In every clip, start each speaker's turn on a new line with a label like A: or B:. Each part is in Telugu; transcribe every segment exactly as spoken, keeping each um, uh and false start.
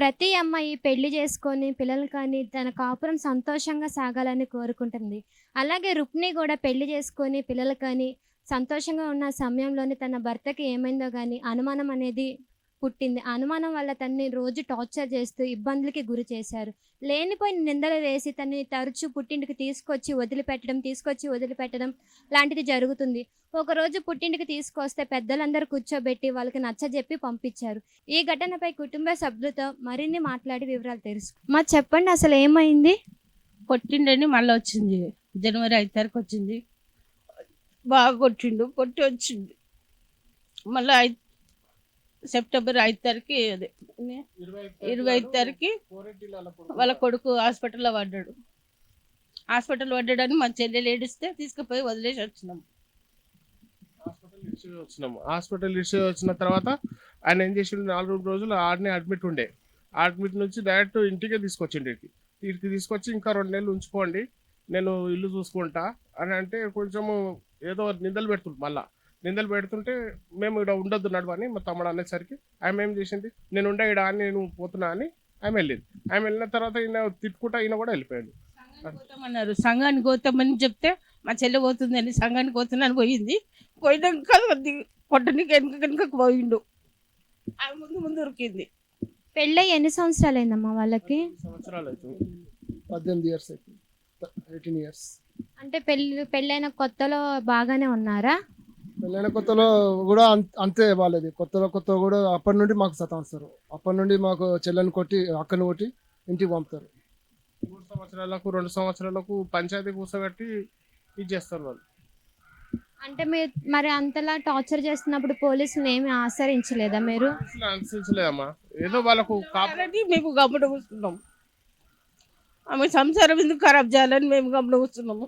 A: ప్రతి అమ్మాయి పెళ్లి చేసుకొని పిల్లలు కానీ తన కాపురం సంతోషంగా సాగాలని కోరుకుంటుంది. అలాగే రుక్మిణి కూడా పెళ్లి చేసుకొని పిల్లలు కానీ సంతోషంగా ఉన్న సమయంలోనే తన భర్తకి ఏమైందో గాని అనుమానం అనేది పుట్టింది. ఆ అనుమానం వల్ల తనని రోజు టార్చర్ చేస్తూ ఇబ్బందులకి గురి చేశారు. లేనిపోయిన నిందలు వేసి తనని తరచూ పుట్టింటికి తీసుకొచ్చి వదిలిపెట్టడం, తీసుకొచ్చి వదిలిపెట్టడం లాంటిది జరుగుతుంది. ఒకరోజు పుట్టింటికి తీసుకొస్తే పెద్దలందరూ కూర్చోబెట్టి వాళ్ళకి నచ్చజెప్పి పంపించారు. ఈ ఘటనపై కుటుంబ సభ్యులతో మరిన్ని మాట్లాడి వివరాలు తెలుసు మా చెప్పండి అసలు ఏమైంది?
B: కొట్టిండని మళ్ళీ వచ్చింది. జనవరి ఐదు తారీఖు వచ్చింది. బాగా కొట్టిండు, కొట్టి వచ్చింది. మళ్ళీ ఐదు సెప్టెంబర్ ఐదు తారీఖు అదే ఇరవై ఐదు తారీఖు వాళ్ళ కొడుకు హాస్పిటల్లో పడ్డాడు. హాస్పిటల్ పడ్డాడని మా చెల్లెలు ఏడిస్తే తీసుకుపోయి వదిలేసి వచ్చినాము.
C: హాస్పిటల్ ఇష్యూ వచ్చినాము హాస్పిటల్ ఇష్యూ వచ్చిన తర్వాత ఆయన ఏం చేసిండు, నాలుగు రోజులు ఆడనే అడ్మిట్ ఉండే. అడ్మిట్ నుంచి డైరెక్ట్ ఇంటికే తీసుకొచ్చిండు. ఇంటికి ఇంటికి తీసుకొచ్చి ఇంకా రెండు నెలలు ఉంచుకోండి, నేను ఇల్లు చూసుకుంటా అని అంటే కొంచెము ఏదో నిందలు పెడుతుంది. మళ్ళా నిందలు పెడుతుంటే మేము ఇక్కడ ఉండొద్దు నడవని మా తమ్ముడు అనేసరికి ఆమె ఏం చేసింది, నేను ఉండే ఇక్కడ అని నేను పోతున్నా అని ఆమె వెళ్ళింది. ఆమె వెళ్ళిన తర్వాత ఈయన తిట్టుకుంటా ఈయన కూడా వెళ్ళిపోయాడు.
B: పోతామన్నారు, సంఘానికి పోతామని చెప్తే మా చెల్లె పోతుందని సంఘానికి పోతున్నాను పోయింది. పోయినాక కొట్టనికి వెనుక వెనుకకు పోయిండు. ఆమె ముందు ముందు ఉరికింది.
A: పెళ్ళై ఎన్ని సంవత్సరాలు అయిందమ్మా వాళ్ళకి?
C: సంవత్సరాలు అవుతుంది.
D: పద్దెనిమిది ఇయర్స్ అయిపోయింది, ఎయిటీన్ ఇయర్స్.
A: అంటే పెళ్ళి పెళ్ళైన కొత్తలో బాగానే ఉన్నారా?
D: పెళ్ళైన కొత్తలో కూడా అం- అంతే వాళ్ళది. కొత్తలో కొత్త కూడా అప్పటి నుండి మాకు సతాయిస్తారు. అప్పటి నుండి మాకు చెల్లెని కొట్టి అక్కని కొట్టి ఇంటికి పంపుతారు.
C: మూడు సంవత్సరాలకు రెండు సంవత్సరాలకు పంచాయతీ కూర్చోబెట్టి ఇది చేస్తారు వాళ్ళు.
A: అంటే మీరు మరి అంతలా టార్చర్ చేస్తున్నప్పుడు పోలీసులు ఏమి ఆశ్రయించలేదా మీరు?
C: అసలు అనుసరించలేదమ్మా, ఏదో వాళ్ళకు కాపు
B: కాబట్టి మేము గమ్మున కూర్చున్నాం. ఆమె సంసారం ఎందుకు ఖరాబ్ చేయాలని మేము గమ్మున కూర్చున్నాము.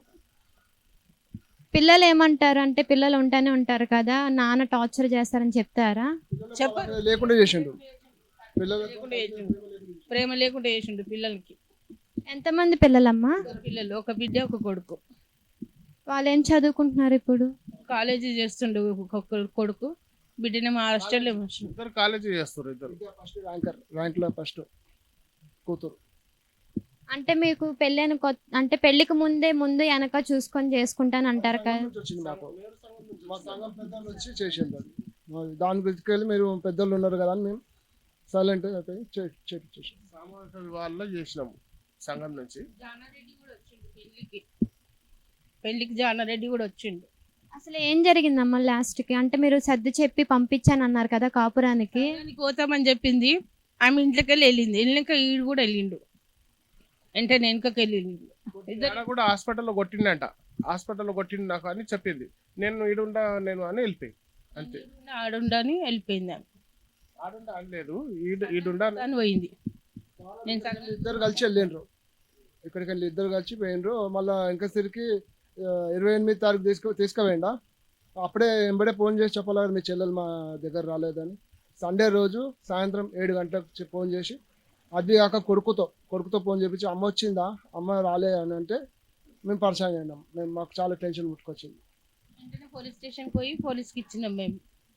A: పిల్లలు ఏమంటారు అంటే పిల్లలు ఉంటానే ఉంటారు కదా, నాన్న టార్చర్ చేస్తారని చెప్తారా?
B: చెప్ప
D: లేకుండా చేసిండు పిల్లలు.
B: లేకుండా చేసిండు, ప్రేమ లేకుండా చేసిండు పిల్లలకి.
A: ఎంతమంది పిల్లలమ్మా?
B: ఇద్దరు పిల్లలు, ఒక బిడ్డ ఒక కొడుకు.
A: వాళ్ళు ఏం చదువుకుంటున్నారు ఇప్పుడు?
B: కాలేజీ చేస్తుండు ఒక కొడుకు, బిడ్డని మా హాస్టల్లో ఉంచిండు.
C: ఇద్దరు కాలేజీ చేస్తారు. ఇద్దరు
D: ఫస్ట్ ర్యాంకర్, ర్యాంక్ లో ఫస్ట్ కూతురు.
A: అంటే మీకు పెళ్ళైన కొత్త అంటే పెళ్లికి ముందే ముందు వెనక చూసుకొని చేసుకుంటాను అంటారు కదా.
D: నుంచి వచ్చింది మాకు. మా సంఘం పెద్దలు వచ్చి చేసిండు అది. మరి దాని గురించి వెళ్ళి మీరు పెద్దలు ఉన్నారు కదా అని మేము సైలెంట్ అయిపోయి చేసాం.
C: సామూహిక వివాహాల్లో చేసినాము సంఘం నుంచి.
B: జానారెడ్డి కూడా వచ్చిండు పెళ్లికి. పెళ్లికి జానారెడ్డి కూడా వచ్చిండు.
A: అసలు ఏం జరిగిందమ్మా లాస్ట్ కి? అంటే మీరు సర్ది చెప్పి పంపించాను అన్నారు కదా కాపురానికి.
B: సంఘానికి పోతామని చెప్పింది. ఆమె ఇంట్లోకి వెళ్ళి వెళ్ళింది. వెళ్ళినాక ఈడు కూడా వెళ్ళిండు, వెంటనే వెనుకకి వెళ్ళిండు.
C: ఆడ కూడా హాస్పిటల్లో కొట్టిండంట. హాస్పిటల్లో కొట్టిండు నాకు అని చెప్పింది. నేను ఈడుండా నేను అని వెళ్ళిపోయి అంతే.
B: ఆడుండని వెళ్ళిపోయింది. ఆమె
C: ఆడుండా అనలేదు, ఈడు ఈడుండా
B: అని పోయింది. నేను
D: వీళ్ళు ఇద్దరు కలిసి వెళ్ళిండ్రు. ఇక్కడికి వెళ్ళి ఇద్దరు కలిసి పోయిండ్రు. మళ్ళీ ఇంకసరికి ఇరవై ఎనిమిది తారీఖు తీసుకు తీసుకుపోయిండా. అప్పుడే ఎంబడే ఫోన్ చేసి చెప్పాలి మీ చెల్లెలు మా దగ్గర రాలేదని. సండే రోజు సాయంత్రం ఏడు గంటలకు చె- ఫోన్ చేసి, అది కాక కొడుకుతో కొడుకుతో ఫోన్ చేపించి అమ్మ వచ్చిందా, అమ్మ రాలే అని అంటే మేము పరిచయం అయినాం. మేము మాకు చాలా టెన్షన్ ముట్టుకొచ్చింది.
B: వెంటనే పోలీస్ స్టేషన్ పోయి పోలీస్కి ఇచ్చినాం మేము.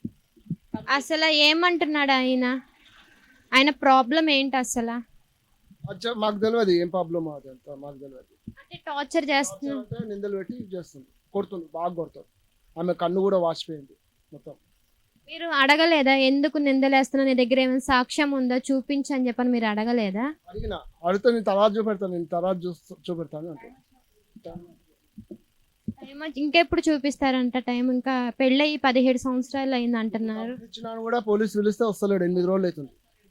A: అసలు ఏమంటున్నాడు ఆయన? ఆయన ప్రాబ్లం ఏంటి అసలు?
D: అచ్చా మాకు తెలియదు ఏం ప్రాబ్లమ్ అది అంతా మాకు తెలియదు.
A: అంటే టార్చర్ చేస్తున్నా
D: అంటే నిందలు పెట్టి చేస్తుంది, కొడుతుంది, బాగా కొడుతుంది. ఆమె కన్ను కూడా వాచిపోయింది మొత్తం.
A: మీరు అడగలేదా ఎందుకు నిందలేస్తున్నా, నీ దగ్గర ఏమైనా సాక్ష్యం ఉందా చూపించని చెప్పని మీరు అడగలేదా?
D: అడిగిన అడిగితే నేను తర్వాత చూపెడతాను, నేను తర్వాత చూ చూపెడతాను అంటే
A: ఏమో ఇంకెప్పుడు చూపిస్తారంట టైం? ఇంకా పెళ్ళయి పదిహేడు సంవత్సరాలు అయింది అంటున్నారు.
D: ఇచ్చినా కూడా పోలీసు పిలిస్తే వస్తలేడు. ఎనిమిది రోజులు అవుతుంది.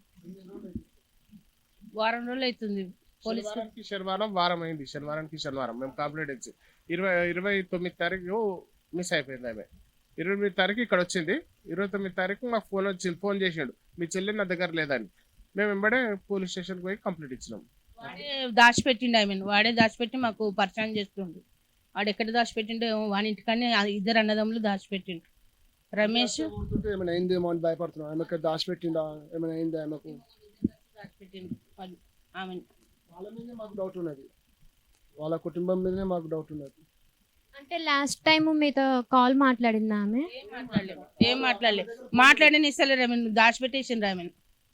B: వారం రోజులు అవుతుంది. పోలీస్
C: శనివారానికి శనివారం వారం అయింది. శనివారానికి శనివారం మేము కంప్లీట్ ఇచ్చి ఇరవై ఇరవై తొమ్మిది తారీఖు మిస్ అయిపోయింది ఆమె. ఇరవై ఎనిమిది తారీఖు ఇక్కడ వచ్చింది. ఇరవై తొమ్మిది తారీఖు మాకు ఫోన్ వచ్చింది, ఫోన్ చేసాడు మీ చెల్లి నా దగ్గర లేదని. మేము వెంబడే పోలీస్ స్టేషన్కి పోయి కంప్లీట్ ఇచ్చినాం.
B: వాడే దాచిపెట్టిండు ఆమెను. వాడే దాచిపెట్టి మాకు పరిచయం చేస్తుండు. వాడు ఎక్కడ దాచిపెట్టిండో ఏమో, వాని ఇంటికనే ఆ ఇద్దరు అన్నదమ్ములు దాచిపెట్టిండు. రమేష్
D: కొడుతుంటే ఏమైనా అయిందేమో అని భయపడుతున్నాం. ఆమెకు దాచిపెట్టిండా, ఏమైనా అయిందా ఆమెకు,
B: దాచిపెట్టిండు వాళ్ళు ఆమెను.
D: వాళ్ళ మీదనే మాకు డౌట్ ఉన్నది. వాళ్ళ కుటుంబం మీదనే మాకు డౌట్ ఉన్నది.
A: అంటే లాస్ట్ టైం మీతో కాల్ మాట్లాడిందా ఆమె?
B: ఏం మాట్లాడలేదు, ఏం మాట్లాడలేదు. మాట్లాడని ఇస్తలేరు ఆమెను, దాచిపెట్టేసిండ్రు ఆమెను.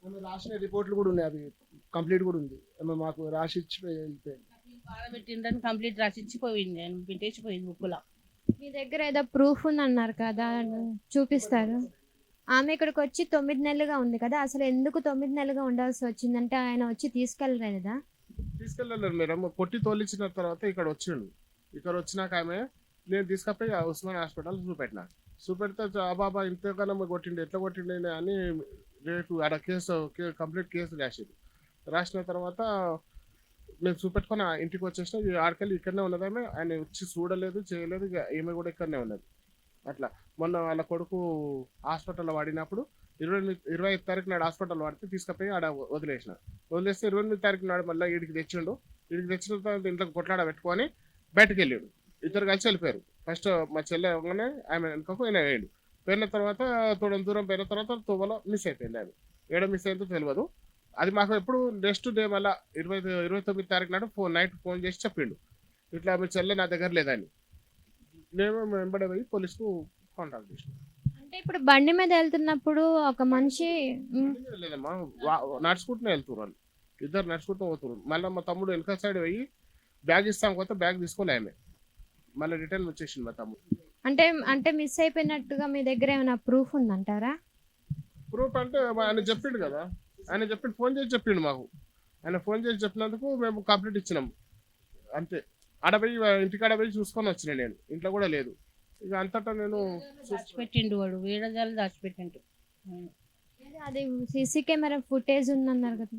D: ఆమె రాసిన రిపోర్ట్లు కూడా ఉన్నాయి, అవి కంప్లీట్ కూడా ఉంది. ఆమె మాకు రాసి ఇచ్చి వెళ్ళిపోయింది.
B: బాధ పెట్టిండ్రని కంప్లీట్ రాసి ఇచ్చిపోయింది, నేను పెట్టేసిపోయింది బుక్కులో.
A: మీ దగ్గర ఏదో ప్రూఫ్ ఉందన్నారు కదా, చూపిస్తారు. ఆమె ఇక్కడికి వచ్చి తొమ్మిది నెలలుగా ఉంది కదా, అసలు ఎందుకు తొమ్మిది నెలలుగా ఉండాల్సి వచ్చిందంటే ఆయన వచ్చి తీసుకెళ్ళలేదా?
C: తీసుకెళ్ళలేదు మేడం. కొట్టి తోలించిన తర్వాత ఇక్కడ వచ్చిండు. ఇక్కడ వచ్చినాక ఆమె నేను తీసుకపోయి ఆ ఉస్మాన్ హాస్పిటల్ చూపెట్టిన. చూపెడితే ఆ బాబా ఇంతకన్నా కొట్టిండు, ఎట్లా కొట్టిండు అని రేపు ఆడ కేసు కంప్లీట్ కేసు రాసిండు. రాసిన తర్వాత నేను చూపెట్టుకొని ఆ ఇంటికి వచ్చేసిన. ఈ ఆడకెళ్ళి ఇక్కడనే ఉన్నది ఆమె. ఆయన వచ్చి చూడలేదు, చేయలేదు. ఇక ఈమె కూడా ఇక్కడనే ఉన్నది. అట్లా మొన్న వాళ్ళ కొడుకు హాస్పిటల్లో వాడినప్పుడు ఇరవై ఎనిమిది ఇరవై ఐదు తారీఖు నాడు హాస్పిటల్ వాడితే తీసుకుపోయి ఆడ వదిలేసిన. వదిలేస్తే ఇరవై ఎనిమిది తారీఖు నాడు మళ్ళీ వీడికి తెచ్చిండు. వీడికి తెచ్చిన తర్వాత ఇంట్లో కొట్లాడ పెట్టుకొని బయటకు వెళ్ళాడు. ఇద్దరు కలిసి వెళ్ళిపోయారు. ఫస్ట్ మా చెల్లె అవగానే ఆమె వెనుకకు ఆయన వేయండు. పోయిన తర్వాత తోడం దూరం పోయిన తర్వాత తువ్వలో మిస్ అయిపోయింది. ఆమె ఏడ మిస్ అయిందో తెలియదు. అది మాకు ఎప్పుడు నెక్స్ట్ డే మళ్ళీ ఇరవై ఇరవై తొమ్మిది తారీఖు నాడు ఫోన్ నైట్ ఫోన్ చేసి చెప్పిండు, ఇట్లా మీ చెల్లె నా దగ్గర లేదని. నేను వెంబడే పోయి పోలీసుకు కాంటాక్ట్ చేసిన.
A: అంటే ఇప్పుడు బండి మీద వెళ్తున్నప్పుడు ఒక మనిషి ఉమ్,
C: లేదమ్మా, వా- నడుచుకుంటూనే వెళ్తున్నారు వాళ్ళు. ఇద్దరు నడుచుకుంటూ పోతున్నారు. మళ్ళీ మా తమ్ముడు వెనక సైడ్ పోయి బ్యాగ్ ఇస్తాం కొత్త బ్యాగ్ తీసుకోలే ఆమె. మళ్ళీ రిటర్న్ వచ్చేసింది మా తమ్ముడు.
A: అంటే అంటే మిస్ అయిపోయినట్టుగా మీ దగ్గర ఏమైనా ప్రూఫ్ ఉందంటారా?
C: ప్రూఫ్ అంటే ఆయన చెప్పిండు కదా, ఆయన చెప్పిండు, ఫోన్ చేసి చెప్పిండు మాకు. ఆయన ఫోన్ చేసి చెప్పినందుకు మేము కంప్లీట్ ఇచ్చినాం అంతే. ఆడపోయి ఇంటికాడ పోయి చూసుకొని వచ్చిన నేను, ఇంట్లో కూడా లేదు. ఇక అంతటా నేను
B: దాచిపెట్టిండు వాడు, వేడజాలు దాచిపెట్టిండు.
A: ఏదో అది సీసీ కెమెరా ఫుటేజ్ ఉందన్నారు కదా.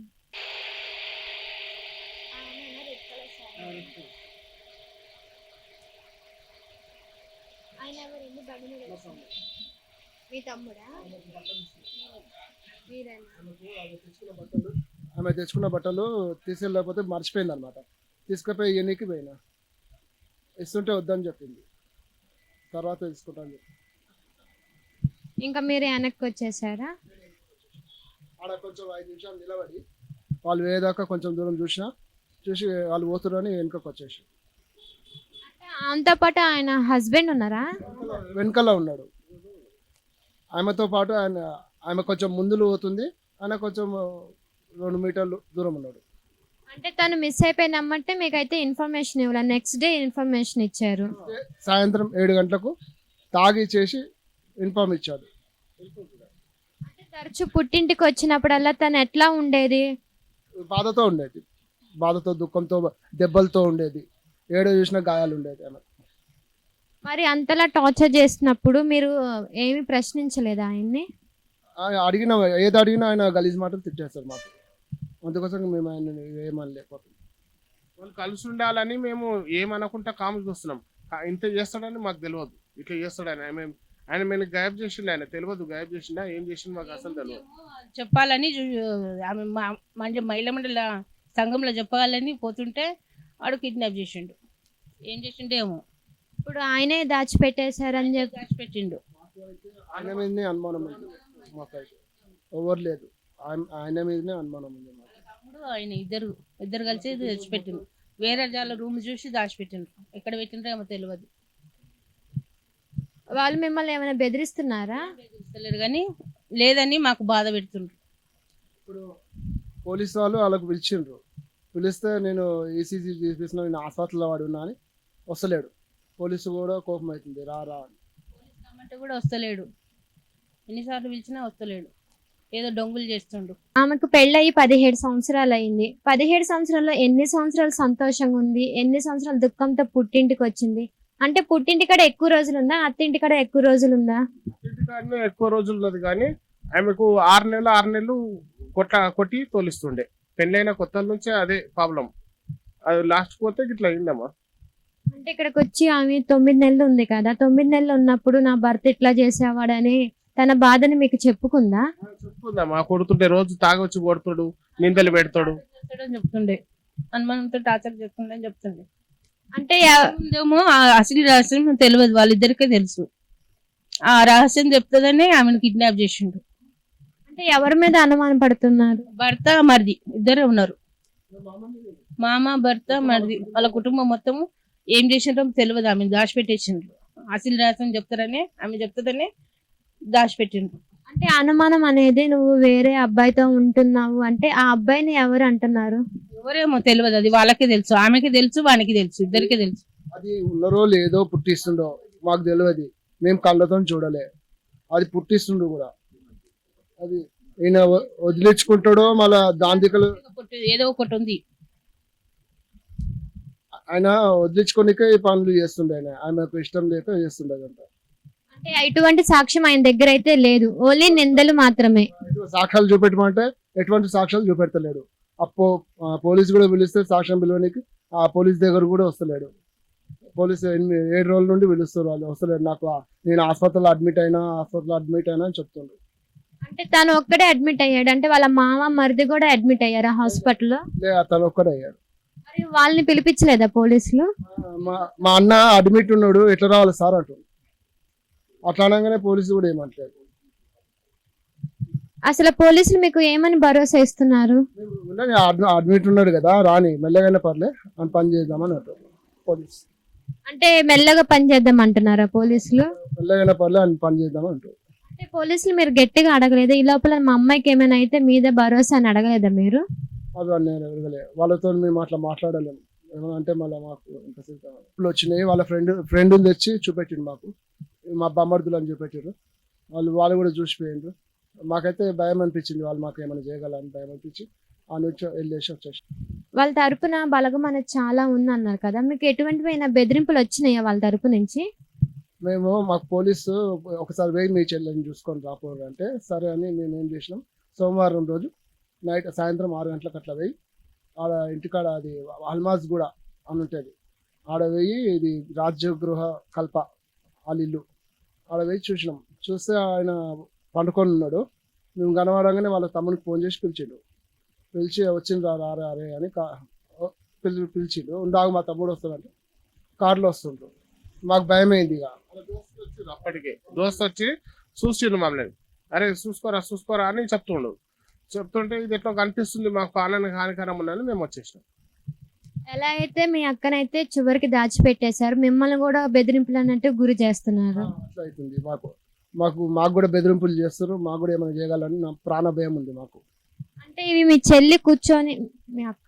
A: మీ తమ్ముడా?
D: ఆమె తెచ్చుకున్న బట్టలు తీసుకెళ్ళకపోతే మర్చిపోయింది అనమాట. తీసుకుపోయి ఎన్నికి పోయినా, ఇస్తుంటే వద్దని చెప్పింది. తర్వాత తీసుకుంటాను చెప్పి
A: ఇంకా మీరు వెనక్కి వచ్చేసారా?
D: ఆడ కొంచెం ఐదు నిమిషాలు నిలబడి వాళ్ళు వేదాకా కొంచెం దూరం చూసినా, చూసి వాళ్ళు పోతున్నారని వెనుకకు వచ్చేసి
A: ఆమెతో పాటు ఆయన హస్బెండ్ ఉన్నారా?
D: వెనకాల ఉన్నాడు. ఆమెతో పాటు ఆయన ఆమె కొంచెం ముందులు పోతుంది, ఆయన కొంచెం రెండు మీటర్లు దూరం ఉన్నాడు.
A: అంటే తను మిస్ అయిపోయినమ్మంటే మీకైతే ఇన్ఫర్మేషన్ ఇవ్వాలి, నెక్స్ట్ డే ఇన్ఫర్మేషన్ ఇచ్చారు.
D: సాయంత్రం ఏడు గంటలకు తాగి చేసి ఇన్ఫార్మ్ ఇచ్చాడు.
A: అంటే తరచు పుట్టింటికి వచ్చినప్పుడల్లా తను ఎట్లా ఉండేది?
D: బాధతో ఉండేది, బాధతో దుఃఖంతో దెబ్బలతో ఉండేది, ఏడో చూసిన గాయాలు ఉండేది ఆమె.
A: మరి అంతలా టార్చర్ చేసినప్పుడు మీరు ఏమి ప్రశ్నించలేదా ఆయన్ని?
D: ఆయన అడిగిన ఏది అడిగినా ఆయన గలీజ్ మాటలు తిట్టేస్తారు మాకు. అందుకోసం మేము ఆయన ఏమని లేకపోతుంది.
C: వాళ్ళు కలిసి ఉండాలని మేము ఏమనుకుంటా కామెంట్ చూస్తున్నాం. కా- ఇంత చేస్తాడని మాకు తెలియదు, ఇట్లా చేస్తాడని. ఆయన ఆయన మేము గాయబ్ చేసిండు, ఆయన తెలియదు గాయబ్ చేసిండా ఏం చేసిండు మాకు అసలు తెలియదు.
B: చెప్పాలని చూ- ఆమె మా- మంచి మహిళా మండల సంఘంలో చెప్పాలని పోతుంటే వాడు కిడ్నాప్ చేసిండు. ఏం చేసిండు ఏమో,
A: ఇప్పుడు ఆయనే దాచిపెట్టేశారని చెప్పి
B: దాచిపెట్టిండు.
D: ఆయన మీదనే అనుమానం ఉంది మాకైతే, ఎవరు లేదు. ఆయన ఆయన మీదనే అనుమానం ఉంది మాకు.
B: తమ్ముడు ఆయన ఇద్దరు ఇద్దరు కలిసి తెచ్చిపెట్టిండు. వేరే జాల రూమ్ చూసి దాచిపెట్టిండు. ఎక్కడ పెట్టిండ్రో ఏమో తెలియదు.
A: వాళ్ళు మిమ్మల్ని ఏమైనా బెదిరిస్తున్నారా?
B: తెలుస్తలేరు కానీ లేదని మాకు బాధ పెడుతుండ్రు.
D: ఇప్పుడు పోలీసు వాళ్ళు వాళ్ళకు పిలిచిండ్రు. పిలిస్తే నేను ఈసీజీ తీసిన, నేను హాస్పిటల్లో వాడి ఉన్నా అని వస్తలేడు. పోలీసు కూడా కోపం అవుతుంది, రా రా అని.
B: పోలీస్ రమ్మంటే కూడా వస్తలేడు. ఎన్నిసార్లు పిలిచినా వస్తలేడు. ఏదో డొంగులు చేస్తుండు.
A: ఆమెకు పెళ్ళయి పదిహేడు సంవత్సరాలు అయింది. పదిహేడు సంవత్సరాల్లో ఎన్ని సంవత్సరాలు సంతోషంగా ఉంది, ఎన్ని సంవత్సరాలు దుఃఖంతో పుట్టింటికి వచ్చింది? అంటే పుట్టింటి కాడ ఎక్కువ రోజులు ఉందా, అత్తింటి కాడ ఎక్కువ రోజులు ఉందా?
C: ఇంటికాడనే ఎక్కువ రోజులు ఉన్నది కానీ ఆమెకు ఆరు నెలలు ఆరు నెలలు కొట్ట కొట్టి తోలిస్తుండే. పెళ్ళైన కొత్తల నుంచే అదే ప్రాబ్లం. అది లాస్ట్ పోతే ఇట్లా అయిందమ్మా.
A: అంటే ఇక్కడికి వచ్చి ఆమె తొమ్మిది నెలలు ఉంది కదా, తొమ్మిది నెలలు ఉన్నప్పుడు నా భర్త ఇట్లా చేసేవాడని తన బాధని మీకు చెప్పుకుందా?
C: చెప్పుకుందమ్మా, కొడుతుంటే రోజు తాగొచ్చి కొడుతుడు, నిందలు పెడతాడు.
B: చేస్తాడని చెప్తుండే, అనుమానంతో టార్చర్ చేస్తుండే అని చెప్తుండే.
A: అంటే ఎవ-
B: ముందేమో ఆ అసలు రహస్యం తెలియదు, వాళ్ళిద్దరికే తెలుసు. ఆ రహస్యం చెప్తుందనే ఆమెను కిడ్నాప్ చేసిండు.
A: అంటే ఎవరి మీద అనుమానం పడుతున్నారు?
B: భర్త మరిది ఇద్దరే ఉన్నారు. మామ భర్త మరిది వాళ్ళ కుటుంబం మొత్తం ఏం చేసిండ్రో తెలియదు. ఆమె దాచిపెట్టేసిండ్రు. అసలు రహస్యం చెప్తారని ఆమె చెప్తుందనే దాచిపెట్టిండ్రు.
A: అంటే అనుమానం అనేది నువ్వు వేరే అబ్బాయితో ఉంటున్నావు అంటే ఆ అబ్బాయిని ఎవరు అంటున్నారు?
B: ఎవరేమో తెలియదు, అది వాళ్ళకే తెలుసు, ఆమెకి తెలుసు, వానికి తెలుసు, ఇద్దరికి తెలుసు.
D: అది ఉన్నరో లేదో పుట్టిస్తుండో మాకు తెలియదు, మేము కళ్ళతో చూడలే. అది పుట్టిస్తుండు కూడా, అది ఈయన వ- వదిలించుకుంటాడో మళ్ళా దాంతికలు
B: ఏదో ఒకటి ఉంది.
D: ఆయన వదిలించుకోనికే ఈ పనులు చేస్తుండే. ఆయన ఆమెకు ఇష్టం లేక చేస్తుండే అదంట.
A: అంటే ఎటువంటి సాక్ష్యం ఆయన దగ్గర అయితే లేదు, ఓన్లీ నిందలు మాత్రమే.
D: ఎటువంటి సాక్ష్యాలు చూపెట్టమంటే ఎటువంటి సాక్ష్యాలు చూపెడతలేడు. అప్పో ఆ, పోలీస్ కూడా పిలిస్తే సాక్ష్యం పిలవనికి ఆ పోలీస్ దగ్గర కూడా వస్తలేడు. పోలీసు ఎనిమిది ఏడు రోజుల నుండి పిలుస్తారు, వాళ్ళు వస్తలేడు. నాకు ఆ- నేను హాస్పిటల్లో అడ్మిట్ అయినా హాస్పిటల్లో అడ్మిట్ అయినా అని చెప్తుండ్రు.
A: అంటే తను ఒక్కడే అడ్మిట్ అయ్యాడు, అంటే వాళ్ళ మామ మరిది కూడా అడ్మిట్ అయ్యారా హాస్పిటల్లో?
D: లే అతను ఒక్కడే అయ్యాడు.
A: మరి వాళ్ళని పిలిపించలేదా పోలీసులు?
D: మా మా అన్న అడ్మిట్ ఉన్నాడు, ఎట్లా రావాలి సార్ అంటు. అట్లా అనగానే పోలీసు కూడా ఏమంటలేదు.
A: అసలు పోలీసులు మీకు ఏమని భరోసా ఇస్తున్నారు?
D: ఉండని అడ్మిట్ ఉన్నాడు కదా, రాని మెల్లగానే పర్లే అని పని చేద్దామని అంటారు పోలీస్.
A: అంటే మెల్లగా పని చేద్దాం అంటున్నారా పోలీసులు?
D: మెల్లగానే పర్లే అని పని చేద్దామని అంటారు.
A: అంటే పోలీసులు మీరు గట్టిగా అడగలేదు, ఈ లోపల మా అమ్మాయికి ఏమైనా అయితే మీద భరోసా అని అడగలేదా మీరు?
D: అవి నేను ఎరగలే, వాళ్ళతో మేము అట్లా మాట్లాడలేము. ఏమన్నా అంటే మళ్ళీ మాకు ఇంతసేపు కావాలి. ఇప్పుడు వచ్చినాయి వాళ్ళ ఫ్రెండ్ ఫ్రెండ్ తెచ్చి చూపెట్టిండు మాకు, మా బొమ్మర్దులు అని చూపెట్టారు. వాళ్ళు వాళ్ళు కూడా చూసిపోయిండ్రు. మాకైతే భయం అనిపించింది, వాళ్ళు మాకు ఏమైనా చేయగలని భయం అనిపించి ఆ నుంచి వెళ్ళేసి వచ్చేసి.
A: వాళ్ళ తరపున బలగం అనేది చాలా ఉంది అన్నారు కదా, మీకు ఎటువంటివైనా బెదిరింపులు వచ్చినాయా వాళ్ళ తరపు నుంచి?
D: మేము మాకు పోలీసు ఒకసారి పోయి మీ చెల్లెని చూసుకొని రాపోరు అంటే సరే అని మేము ఏం చేసినాం, సోమవారం రోజు నైట్ సాయంత్రం ఆరు గంటలకు అట్లా పోయి ఆడ ఇంటికాడ అది అల్మాజ్ కూడా అని ఉంటుంది, ఆడ పోయి ఇది రాజ్యగృహ కల్ప వాళ్ళ ఇల్లు, ఆడ పోయి చూసినాం. చూస్తే ఆయన పండుకొని ఉన్నాడు. మేము కనబడంగానే వాళ్ళ తమ్మునికి ఫోన్ చేసి పిలిచిండు. పిలిచి వచ్చిండు రా రా రే అని కా పిలి పిలిచిండు. ఉండాగు మా తమ్ముడు వస్తాడంటే కార్లో వస్తుండ్రు. మాకు భయమైంది. ఇక
C: వాళ్ళ దోస్తు వచ్చిండు, అప్పటికే దోస్తు వచ్చి చూసిండు మమ్మల్ని. అరే చూసుకోరా చూసుకోరా అని చెప్తుండు. చెప్తుంటే ఇది ఎట్లా కనిపిస్తుంది మాకు, పాలన హానికరం ఉందని మేము వచ్చేసినాం.
A: ఎలా అయితే మీ అక్కనైతే చివరికి దాచిపెట్టేశారు, మిమ్మల్ని కూడా బెదిరింపులు అన్నట్టు గురి చేస్తున్నారు.
D: అట్లా అవుతుంది మాకు. మాకు మాకు కూడా బెదిరింపులు చేస్తారు, మాకు కూడా ఏమైనా చేయగలని నా ప్రాణ భయం ఉంది మాకు.
A: అంటే ఇవి మీ చెల్లి కూర్చొని మీ అక్క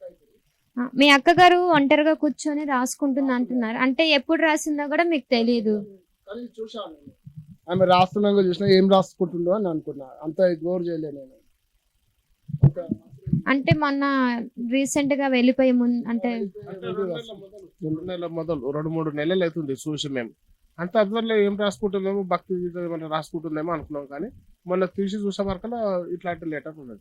A: ఆ, మీ అక్కగారు ఒంటరిగా కూర్చొని రాసుకుంటుంది అంటున్నారు, అంటే ఎప్పుడు రాసిందో కూడా మీకు తెలియదు.
D: కానీ చూసాను నేను. ఆమె రాస్తున్నాగా చూసినా ఏం రాసుకుంటుందో అని అనుకున్నా, అంత ఇగ్నోర్ చేయలే నేను. అంత
A: అంటే మొన్న రీసెంట్ గా వెళ్ళిపోయే ముందు అంటే
C: అంటే రెండు నెలల మొదలు రెండు నెలల మొదలు రెండు మూడు నెలలు అవుతుంది చూసి మేము. అంత అబ్జర్వ్ ఏం రాసుకుంటుందేమో, భక్తి గీత ఏమైనా రాసుకుంటుందేమో అనుకున్నాం. కానీ మొన్న తీసి చూసే వరకల్లా ఇట్లాంటి లెటర్ ఉన్నది.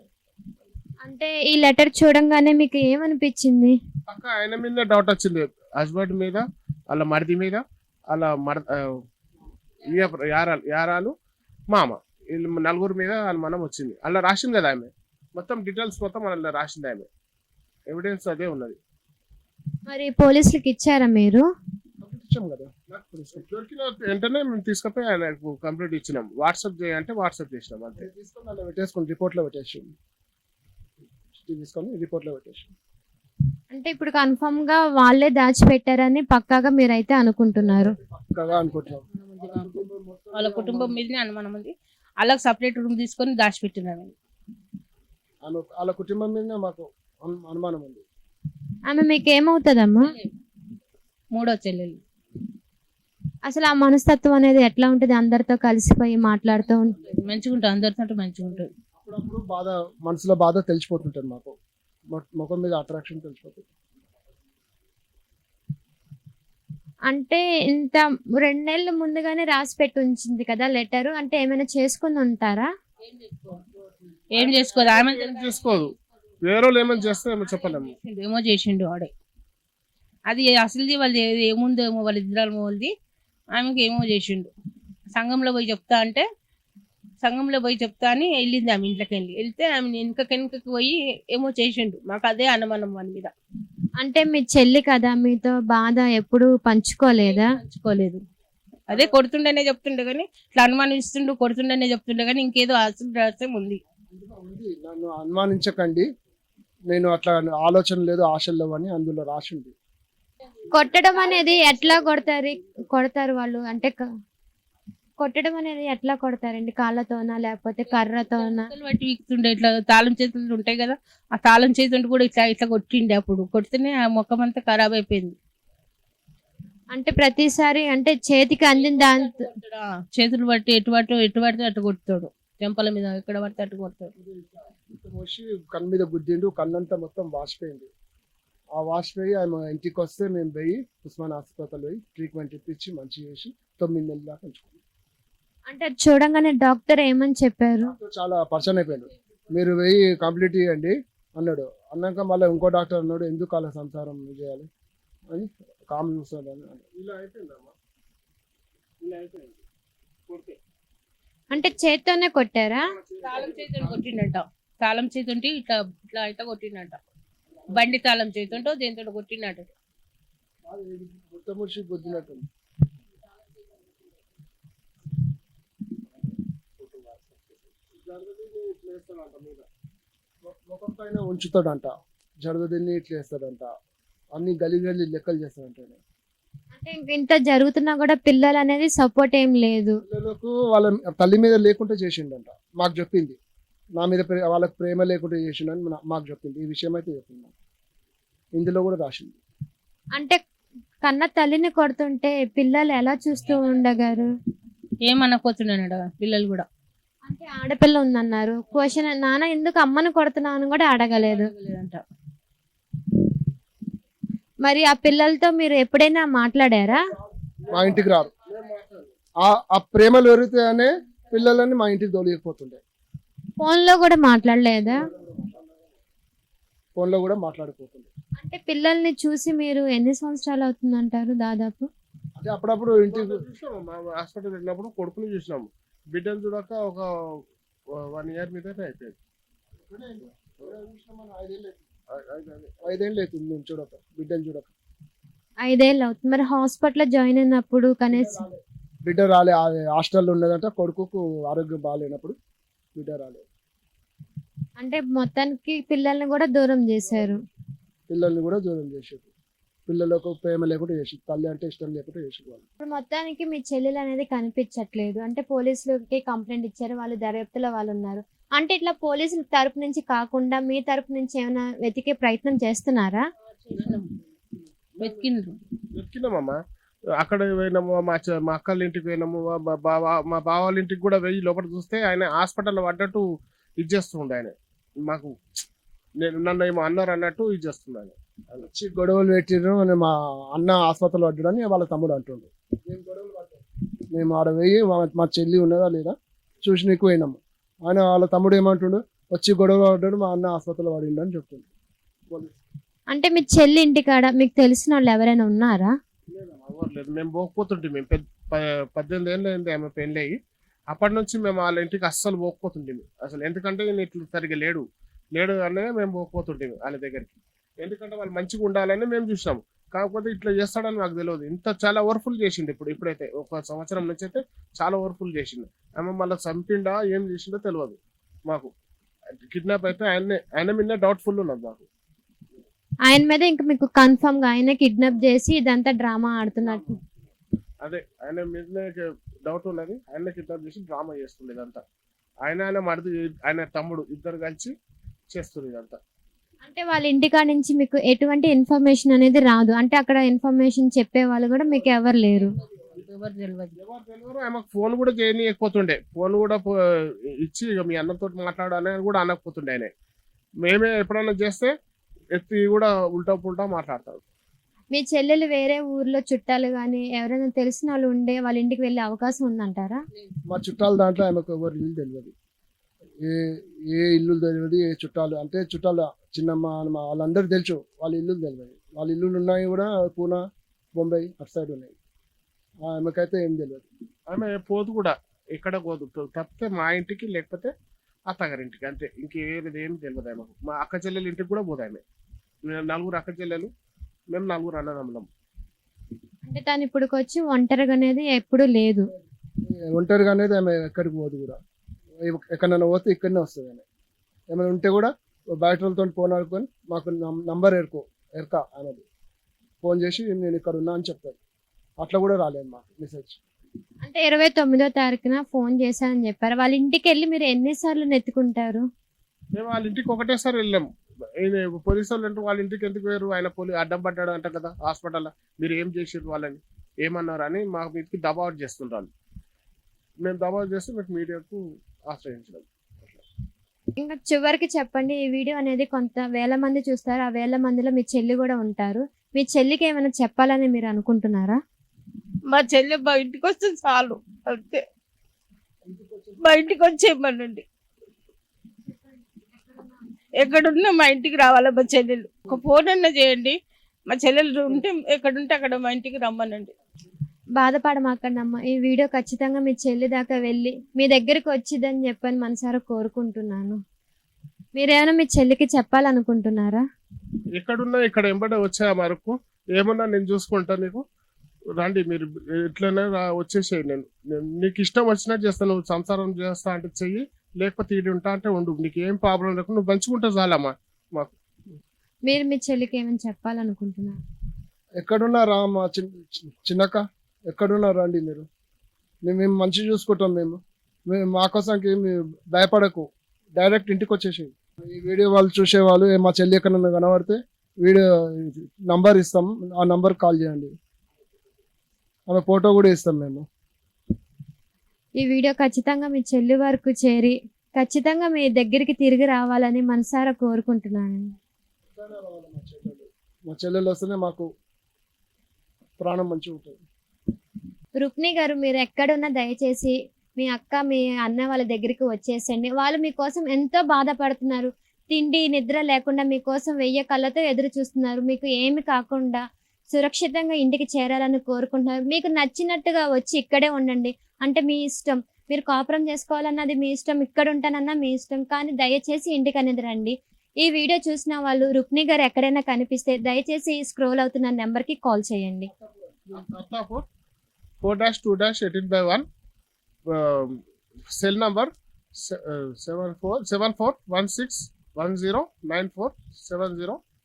A: అంటే ఈ లెటర్ చూడంగానే మీకు ఏమనిపించింది?
C: పక్క ఆయన మీద డౌట్ వచ్చింది, హస్బెండ్ మీద, వాళ్ళ మరిది మీద, వాళ్ళ మర ఆ, ఈయ- యారాలు యారాలు మామ, వీళ్ళు నలుగురు మీద వాళ్ళ మనం వచ్చింది. అలా రాసింది కదా ఆమె, మొత్తం డీటెయిల్స్ మొత్తం అలా రాసింది ఆమె, ఎవిడెన్స్ అదే ఉన్నది.
A: మరి పోలీసులకు ఇచ్చారా మీరు?
D: ఇచ్చాం కదా.
C: దొరికిన వెంటనే మేము తీసుకుపోయి ఆయనకు కంప్లీట్ ఇచ్చినాం. వాట్సాప్ చేయంటే వాట్సాప్ చేసినాం అంతే.
D: తీసుకొని అలా పెట్టేసుకొని రిపోర్ట్లో పెట్టేసి తీసుకొని రిపోర్ట్లో పెట్టేసి
A: అంటే ఇప్పుడు కన్ఫర్మ్ గా వాళ్ళే దాచిపెట్టారని పక్కాగా మీరైతే అనుకుంటున్నారు?
D: పక్కగా అనుకుంటున్నాం.
B: వాళ్ళ కుటుంబం మీదనే అనుమానం ఉంది. వాళ్ళకి సపరేట్ రూమ్ తీసుకొని దాచిపెట్టినారు.
D: ఆమె వాళ్ళ కుటుంబం మీద మాకు అను- అనుమానం ఉంది.
A: ఆమె మీకు ఏమవుతుందమ్మా?
B: మూడో చెల్లెలు.
A: అసలు ఆ మనస్తత్వం అనేది ఎట్లా ఉంటుంది? అందరితో కలిసిపోయి మాట్లాడుతూ ఉంటుంది.
B: మంచిగా ఉంటుంది, అందరితో మంచిగా ఉంటుంది.
D: అప్పుడప్పుడు బాధ, మనసులో బాధ తెలిసిపోతుంటుంది మాకు, మొ- ముఖం మీద అట్రాక్షన్ తెలిసిపోతుంది.
A: అంటే ఇంత రెండు నెలలు ముందుగానే రాసి పెట్టి ఉంచింది కదా లెటర్, అంటే ఏమైనా చేసుకుని ఉంటారా?
B: ఏం చేసుకోదు ఆమె,
C: ఏం చేసుకోదు, వేరే వాళ్ళు ఏమైనా చేస్తే ఏమో చెప్పలేము.
B: ఏమో చేసిండు వాడే. అది అసలుది వాళ్ళది ఏముందో ఏమో వాళ్ళ ఇద్దరు వాళ్ళది, ఆమెకి ఏమో చేసిండు. సంఘంలో పోయి చెప్తా అంటే సంఘంలో పోయి చెప్తా అని వెళ్ళింది ఆమె ఇంట్లోకి వెళ్ళి. వెళ్తే ఆమె వెనుక వెనుకకి పోయి ఏమో చేసిండు. మాకు అదే అనుమానం వాని మీద.
A: అంటే మీ చెల్లి కదా, మీతో బాధ ఎప్పుడు పంచుకోలేదా?
B: పంచుకోలేదు. అదే కొడుతుండేనే చెప్తుండే కానీ, ఇట్లా అనుమానిస్తుండు కొడుతుండేనే చెప్తుండే కానీ ఇంకేదో అసలు రహస్యం ఉంది.
D: ఉంది, నన్ను అనుమానించకండి, నేను అట్లా ఆలోచన లేదు, ఆశలు లేవు అని అందులో రాసింది.
A: కొట్టడం అనేది ఎట్లా కొడతారు కొడతారు వాళ్ళు? అంటే క- కొట్టడం అనేది ఎట్లా కొడతారండి? కాళ్ళతోనా లేకపోతే కర్రతోనా?
B: చేతులు బట్టి వీక్తుండే ఇట్లా తాళం చేతులు ఉంటాయి కదా, ఆ తాళం చేతుంటే కూడా ఇట్లా ఇట్లా కొట్టిండే. అప్పుడు కొడితేనే ఆ ముఖం అంతా ఖరాబ్ అయిపోయింది.
A: అంటే ప్రతిసారి అంటే చేతికి అందిన దాంతో
B: కొట్టడా, చేతులు బట్టి ఎటు పట్టు ఎటు పడితే అటు కొడతాడు. చెంపల మీద ఎక్కడ పడితే అటు కొడతాడు.
D: ఇట్లా మోసి కన్ను మీద గుద్దిండు, కన్నంతా మొత్తం వాసిపోయింది. ఆ వాసిపోయి ఆయన ఇంటికి వస్తే మేము పోయి ఉస్మాన్ హాస్పిటల్ పోయి ట్రీట్మెంట్ ఇప్పించి మంచి చేసి తొమ్మిది నెలల దాకా ఉంచుకున్నాం.
A: అంటే అది చూడంగానే డాక్టర్ ఏమని చెప్పారు?
D: డాక్టర్ చాలా పర్సన్ అయిపోయాడు. మీరు పోయి కంప్లీట్ చేయండి అన్నాడు. అన్నాక మళ్ళీ ఇంకో డాక్టర్ అన్నాడు, ఎందుకు అలా సంసారం చేయాలి అని కామ్ చూస్తాడు అని అన్నాడు.
C: ఇలా అయిపోయిందమ్మా, ఇలా అయిపోయింది కొడితే.
A: అంటే చేత్తోనే కొట్టారా?
B: తాళం చేతులు కొట్టిండట. తాళం చేతుంటే ఇట్లా ఇట్లా ఇట్లా కొట్టిండట. బండి తాళం చేతుంటో దేంతో కొట్టిండట.
D: మొత్తం ముడిచి గుద్దినట్టు ముఖం పైన ఉంచుతాడంట, జడదీన్ని ఇట్లా వేస్తాడంట, అన్ని గలి గలి లెక్కలు చేస్తాడంట. ఆయన.
A: అంటే ఇంక ఇంత జరుగుతున్నా కూడా పిల్లలు అనేది సపోర్ట్ ఏం లేదు.
D: పిల్లలకు వాళ్ళ తల్లి మీద లేకుండా చేసిండంట, మాకు చెప్పింది. నా మీద ప్రే- వాళ్ళకి ప్రేమ లేకుండా చేసిండని నా- మాకు చెప్పింది. ఈ విషయం అయితే చెప్పింది మాకు. ఇందులో కూడా రాసింది.
A: అంటే కన్న తల్లిని కొడుతుంటే పిల్లలు ఎలా చూస్తూ ఉండగారు?
B: ఏమనకపోతున్నాడట పిల్లలు కూడా.
A: అంటే ఆడపిల్ల ఉందన్నారు, క్వశ్చన్ నాన్న ఎందుకు అమ్మని కొడుతున్నావు అని కూడా అడగలేదు.
B: లేదంట.
A: మరి ఆ పిల్లలతో మీరు ఎప్పుడైనా మాట్లాడారా?
D: మా ఇంటికి రారు. ఆ- ఆ ప్రేమలు పెరిగితేనే పిల్లలని మా ఇంటికి తోలియకపోతుండే.
A: ఫోన్ లో కూడా మాట్లాడలేదా?
D: ఫోన్లో కూడా మాట్లాడిపోతుండే.
A: అంటే పిల్లల్ని చూసి మీరు ఎన్ని సంవత్సరాలు అవుతుందంటారు దాదాపు?
D: అంటే అప్పుడప్పుడు ఇంటికి
C: చూసినాము, మా హాస్పిటల్ వెళ్ళినప్పుడు కొడుకుని చూసినాము. బిడ్డను చూడక ఒక వన్ ఇయర్ మీదనే అయిపోయింది. ఐ- ఐ- ఐ-
D: ఐదేళ్ళు అవుతుంది మేము చూడక, బిడ్డను చూడక.
A: ఐదేళ్ళు అవుతుంది. మరి హాస్పిటల్లో జాయిన్ అయినప్పుడు కనీసం
D: బిడ్డ రాలే. ఆ హాస్టల్లో ఉన్నదంట, కొడుకుకు ఆరోగ్యం బాగాలేనప్పుడు బిడ్డ రాలేదు.
A: అంటే మొత్తానికి పిల్లల్ని కూడా దూరం చేశారు.
D: పిల్లల్ని కూడా దూరం చేసేది, పిల్లలకు ప్రేమ లేకుండా చేసి, తల్లి అంటే ఇష్టం లేకుండా చేసేది వాళ్ళు.
A: ఇప్పుడు మొత్తానికి మీ చెల్లెలు అనేది కనిపించట్లేదు. అంటే పోలీసులకి కంప్లైంట్ ఇచ్చారు, వాళ్ళు దర్యాప్తులో వాళ్ళు ఉన్నారు. అంటే ఇట్లా పోలీసుల తరపు నుంచి కాకుండా మీ తరపు నుంచి ఏమైనా వెతికే ప్రయత్నం చేస్తున్నారా?
B: చేసినాం. వెతికిండ్రు.
C: వెతికినామమ్మా. అక్కడ పోయినాము, మా చె- మా అక్కల ఇంటికి పోయినాము, మా బా- బావ మా బావ వాళ్ళ ఇంటికి కూడా వెయ్యి లోపల చూస్తే ఆయన హాస్పిటల్లో పడ్డట్టు ఇది చేస్తుండే. ఆయన మాకు నేను నన్ను ఏమో అన్నారు అన్నట్టు ఇది చేస్తుంది ఆయన.
D: వచ్చి గొడవలు పెట్టిర్రు అని మా అన్న ఆసుపత్రిలో పడ్డాడని వాళ్ళ తమ్ముడు అంటుండు. మేము ఆడ పోయి మా- మా చెల్లి ఉన్నదా లేదా చూసి నీకు పోయినాము. ఆయన వాళ్ళ తమ్ముడు ఏమంటుండు, వచ్చి గొడవ పడ్డాడు, మా అన్న ఆసుపత్రిలో పడిండు అని చెప్తుండు. పోలీసు
A: అంటే మీ చెల్లి ఇంటికాడ మీకు తెలిసిన వాళ్ళు ఎవరైనా ఉన్నారా?
C: ఎవరు లేదు. మేము పోకపోతుంటే మేము పెద్ద ప- పద్దెనిమిది ఏళ్ళు అయింది ఆమె పెళ్ళి అయ్యి. అప్పటి నుంచి మేము వాళ్ళ ఇంటికి అస్సలు పోకపోతుంటే అసలు. ఎందుకంటే ఈయన ఇట్లా సరిగ్గా లేడు లేడు అనే మేము పోకపోతుంటే వాళ్ళ దగ్గరికి. ఎందుకంటే వాళ్ళు మంచిగా ఉండాలని మేము చూసినాము. కాకపోతే ఇట్లా చేస్తాడని నాకు తెలియదు. ఇంత చాలా ఓవర్ఫుల్ చేసిండు. ఇప్పుడు ఇప్పుడైతే ఒక సంవత్సరం నుంచి అయితే చాలా ఓవర్ఫుల్ చేసిండు. ఆమె మళ్ళీ చంపిండా ఏం చేసిండో తెలియదు మాకు. కిడ్నాప్ అయితే ఆయన్నే ఆయన మీద డౌట్ఫుల్ ఉన్నది మాకు.
A: ఆయన మీద ఇంకా మీకు కన్ఫర్మ్ గా ఆయన కిడ్నాప్ చేసి ఇదంతా డ్రామా ఆడుతున్నట్టు.
C: అదే ఆయన మీదనే డౌట్ ఉన్నది. ఆయన కిడ్నాప్ చేసి డ్రామా చేస్తుండే ఇదంతా. ఆయన ఆయన మరిది ఆయన తమ్ముడు ఇద్దరు కలిసి చేస్తుంది ఇదంతా.
A: అంటే వాళ్ళ ఇంటికాడ నుంచి మీకు ఎటువంటి ఇన్ఫర్మేషన్ అనేది రాదు. అంటే అక్కడ ఇన్ఫర్మేషన్ చెప్పే వాళ్ళు కూడా మీకు ఎవరు లేరు.
B: ఎవరు తెలియదు.
C: ఎవరు తెలియరు. ఆమెకు ఫోన్ కూడా చేయనీయకపోతుండే. ఫోన్ కూడా పో- ఇచ్చి ఇక మీ అన్నతో మాట్లాడాలని కూడా అనకపోతుండే. ఆయన మేమే ఎప్పుడైనా చేస్తే ఎత్తి కూడా ఉల్టా పుల్టా మాట్లాడతాడు.
A: మీ చెల్లెలు వేరే ఊర్లో చుట్టాలు కానీ ఎవరైనా తెలిసిన వాళ్ళు ఉండే వాళ్ళ ఇంటికి వెళ్ళే అవకాశం ఉందంటారా?
D: మా చుట్టాల దాంట్లో ఆమెకు ఎవరు ఇల్లు తెలియదు. ఏ ఏ ఇల్లు తెలియదు, ఏ చుట్టాలు అంటే చుట్టాలు చిన్నమ్మ మా వాళ్ళందరూ తెలుసు, వాళ్ళ ఇల్లు తెలియదు. వాళ్ళ ఇల్లులు ఉన్నాయి కూడా పూనా, బొంబాయి అటు సైడ్ ఉన్నాయి. ఆమెకైతే ఏం తెలియదు.
C: ఆమె పోదు కూడా ఎక్కడ పోదు. తప్పితే మా ఇంటికి లేకపోతే అత్తగారింటికి అంతే. ఇంకేది ఏం తెలియదు ఆమెకు. మా అక్క చెల్లెల ఇంటికి కూడా పోదు ఆమె. మేము నలుగురు అక్క చెల్లెలు, మేము నలుగురు అన్నదమ్ములం.
A: అంటే తను ఇప్పుడు వచ్చి ఒంటరిగా అనేది ఎప్పుడూ లేదు.
D: ఒంటరిగా అనేది ఆమె ఎక్కడికి పోదు కూడా. ఎక్కడైనా పోతే ఇక్కడనే వస్తుంది. ఆమె ఏమైనా ఉంటే కూడా బయట వాళ్ళతో ఫోన్ ఆడుకొని మాకు నంబర్ ఎరుకో ఎరక అనేది ఫోన్ చేసి నేను ఇక్కడ ఉన్నా అని చెప్తాను. అట్లా కూడా రాలేదు మాకు మెసేజ్.
A: అంటే ఇరవై తొమ్మిదో తారీఖున ఫోన్ చేశానని చెప్పారు. వాళ్ళ ఇంటికి వెళ్ళి మీరు ఎన్నిసార్లు నెత్తుకుంటారు?
C: మేము వాళ్ళ ఇంటికి ఒకటేసారి వెళ్ళాము. ఈయన పోలీసు వాళ్ళు అంటే వాళ్ళ ఇంటికి ఎందుకు వేరు, ఆయన పోలీ అడ్డం పడ్డాడు అంట కదా హాస్పిటల్లో, మీరు ఏం చేసారు వాళ్ళని ఏమన్నారు అని మా మీదకి దబావట్ చేస్తుంటారు. మేము దబావట్ చేస్తే మీకు మీడియాకు ఆశ్రయించడం.
A: ఇంకా చివరికి చెప్పండి, ఈ వీడియో అనేది కొంత వేల మంది చూస్తారు. ఆ వేల మందిలో మీ చెల్లి కూడా ఉంటారు. మీ చెల్లికి ఏమైనా చెప్పాలని మీరు అనుకుంటున్నారా?
B: మా చెల్లె మా ఇంటికి వస్తే చాలు అంతే, మా ఇంటికి వచ్చేయమనండి. ఎక్కడున్నా మా ఇంటికి రావాలా మా చెల్లెలు. ఒక ఫోన్ అన్నా చేయండి, మా చెల్లెలు ఉంటే ఎక్కడుంటే అక్కడ మా ఇంటికి రమ్మనండి.
A: బాధపడమాకండమ్మా. ఈ వీడియో ఖచ్చితంగా మీ చెల్లి దాకా వెళ్ళి మీ దగ్గరికి వచ్చిందని చెప్పని మనసారా కోరుకుంటున్నాను. మీరేమైనా మీ చెల్లికి చెప్పాలనుకుంటున్నారా?
C: ఎక్కడున్నా ఇక్కడ ఎంబడే వచ్చా వరకు ఏమన్నా నేను చూసుకుంటా, నీకు రండి మీరు ఇట్లనే రా- వచ్చేసేయి. నేను నేను నీకు ఇష్టం వచ్చినట్టు చేస్తాను. నువ్వు సంసారం చేస్తా అంటే చెయ్యి, లేకపోతే ఈడు ఉంటా అంటే ఉండు. నీకు ఏం ప్రాబ్లం లేకుండా నువ్వు మంచిగుంటే చాలమ్మా మాకు.
A: మీరు మీ చెల్లికి ఏమైనా చెప్పాలనుకుంటున్నారు?
D: ఎక్కడున్నారా మా చిన్న చిన్నక్క, ఎక్కడున్నారా అండి మీరు? మేము మేము మంచిగా చూసుకుంటాం. మేము మేము మా కోసానికి ఏమి భయపడకు, డైరెక్ట్ ఇంటికి వచ్చేసి ఈ వీడియో వాళ్ళు చూసేవాళ్ళు ఏ మా చెల్లి ఎక్కడన్నా కనబడితే వీడియో నంబర్ ఇస్తాం, ఆ నంబర్ కాల్ చేయండి. ఆమె ఫోటో కూడా ఇస్తాం మేము.
A: ఈ వీడియో ఖచ్చితంగా మీ చెల్లి వరకు చేరి ఖచ్చితంగా మీ దగ్గరికి తిరిగి రావాలని మనసారా కోరుకుంటున్నాను.
D: మా చెల్లెలు వస్తేనే మాకు ప్రాణం మంచిగా ఉంటుంది.
A: రుక్ని గారు, మీరు ఎక్కడున్నా దయచేసి మీ అక్క మీ అన్న వాళ్ళ దగ్గరికి వచ్చేసండి. వాళ్ళు మీకోసం ఎంతో బాధపడుతున్నారు. తిండి నిద్ర లేకుండా మీకోసం వెయ్యి కళ్ళతో ఎదురు చూస్తున్నారు. మీకు ఏమి కాకుండా సురక్షితంగా ఇంటికి చేరాలని కోరుకుంటున్నారు. మీకు నచ్చినట్టుగా వచ్చి ఇక్కడే ఉండండి, అంటే మీ ఇష్టం. మీరు కాపురం చేసుకోవాలన్నది మీ ఇష్టం, ఇక్కడ ఉంటానన్నా మీ ఇష్టం. కానీ దయచేసి ఇంటికి అనేది రండి. ఈ వీడియో చూసిన వాళ్ళు రుక్ని గారు ఎక్కడైనా కనిపిస్తే దయచేసి స్క్రోల్ అవుతున్న నెంబర్కి కాల్ చేయండి.
C: Four dash two dash eighteen by one cell number seven four seven four one six one zero nine four seven zero